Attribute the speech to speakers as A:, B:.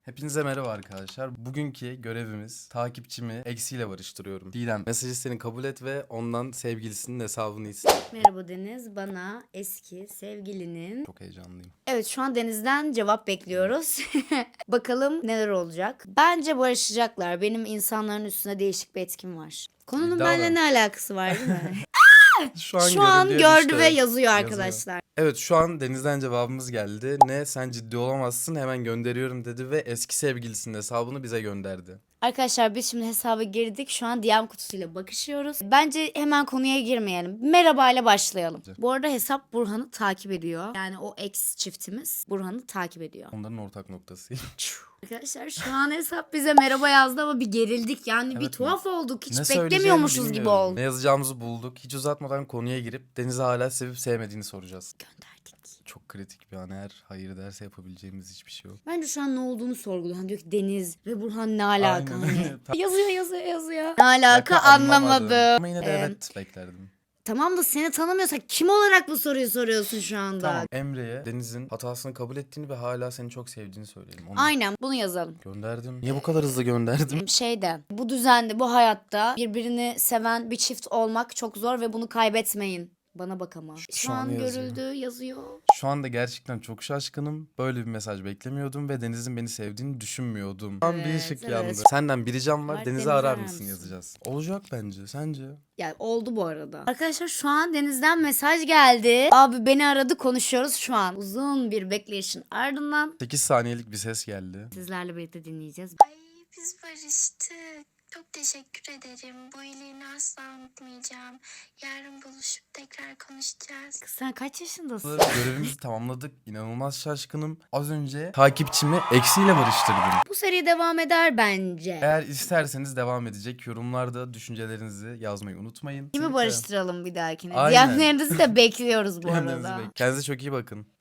A: Hepinize merhaba arkadaşlar. Bugünkü görevimiz takipçimi eksiyle barıştırıyorum. Didem mesajı seni kabul et ve ondan sevgilisinin hesabını iste.
B: Merhaba Deniz, bana eski sevgilinin...
A: Çok heyecanlıyım.
B: Evet, şu an Deniz'den cevap bekliyoruz. Bakalım neler olacak. Bence barışacaklar. Benim insanların üstüne değişik bir etkim var. Konunun
A: İddia
B: benimle
A: var.
B: ne alakası var değil mi?
A: Şu
B: Şu an
A: görüldüğü
B: gördü
A: düştü.
B: ve yazıyor arkadaşlar.
A: Evet şu an Deniz'den cevabımız geldi. Ne sen ciddi olamazsın hemen gönderiyorum dedi ve eski sevgilisinin hesabını bize gönderdi.
B: Arkadaşlar biz şimdi hesaba girdik. Şu an DM kutusuyla bakışıyoruz. Bence hemen konuya girmeyelim. Merhaba ile başlayalım. Bu arada hesap Burhan'ı takip ediyor. Yani o ex çiftimiz Burhan'ı takip ediyor.
A: Onların ortak noktası.
B: Arkadaşlar şu an hesap bize merhaba yazdı ama bir gerildik. Yani bir
A: Evet,
B: tuhaf olduk. Hiç
A: ne söyleyeceğimi
B: beklemiyormuşuz gibi
A: bilmiyorum.
B: oldu.
A: Ne yazacağımızı bulduk. Hiç uzatmadan konuya girip Deniz'i hala sevip sevmediğini soracağız.
B: Gönderdik.
A: Çok kritik bir an, eğer hayır derse yapabileceğimiz hiçbir şey yok.
B: Bence şu an ne olduğunu sorguluyor. Hani diyor ki Deniz ve Burhan ne alaka?
A: Aynen.
B: Hani yazıyor. Ne alaka anlamadım.
A: Ama yine de evet beklerdim.
B: Tamam da seni tanımıyorsak kim olarak bu soruyu soruyorsun şu anda?
A: Tamam, Emre'ye Deniz'in hatasını kabul ettiğini ve hala seni çok sevdiğini söyleyelim. Onu
B: Aynen, bunu yazalım.
A: gönderdim. Niye bu kadar hızlı gönderdim?
B: Bu düzende, bu hayatta birbirini seven bir çift olmak çok zor ve bunu kaybetmeyin. Bana bak ama. Şu
A: an
B: an
A: yazıyor.
B: görüldü, yazıyor.
A: Şu anda gerçekten çok şaşkınım. Böyle bir mesaj beklemiyordum ve Deniz'in beni sevdiğini düşünmüyordum. Tam bir
B: Evet,
A: ışık
B: evet.
A: yandı. Senden bir ricam var.
B: Var,
A: Deniz'i
B: Deniz'i
A: arar
B: arar
A: mısın
B: mısın?
A: yazacağız. Olacak bence. Sence?
B: Yani oldu bu arada. Arkadaşlar şu an Deniz'den mesaj geldi. Abi beni aradı, konuşuyoruz şu an. Uzun bir bekleyişin ardından
A: 8 saniyelik bir ses geldi.
B: sizlerle birlikte dinleyeceğiz.
C: Ay biz barıştık. Çok teşekkür ederim. Bu iyiliğini asla unutmayacağım. Yarın buluşup tekrar konuşacağız.
B: Kız sen kaç yaşındasın?
A: Görevimizi tamamladık. İnanılmaz şaşkınım. Az önce takipçimi eksiyle barıştırdım.
B: Bu seri devam eder bence.
A: Eğer isterseniz devam edecek. Yorumlarda düşüncelerinizi yazmayı unutmayın.
B: Kimi barıştıralım bir dahakine?
A: Aynen.
B: DM'lerinizi de bekliyoruz bu
A: Kendinize
B: arada.
A: Kendinize çok iyi bakın.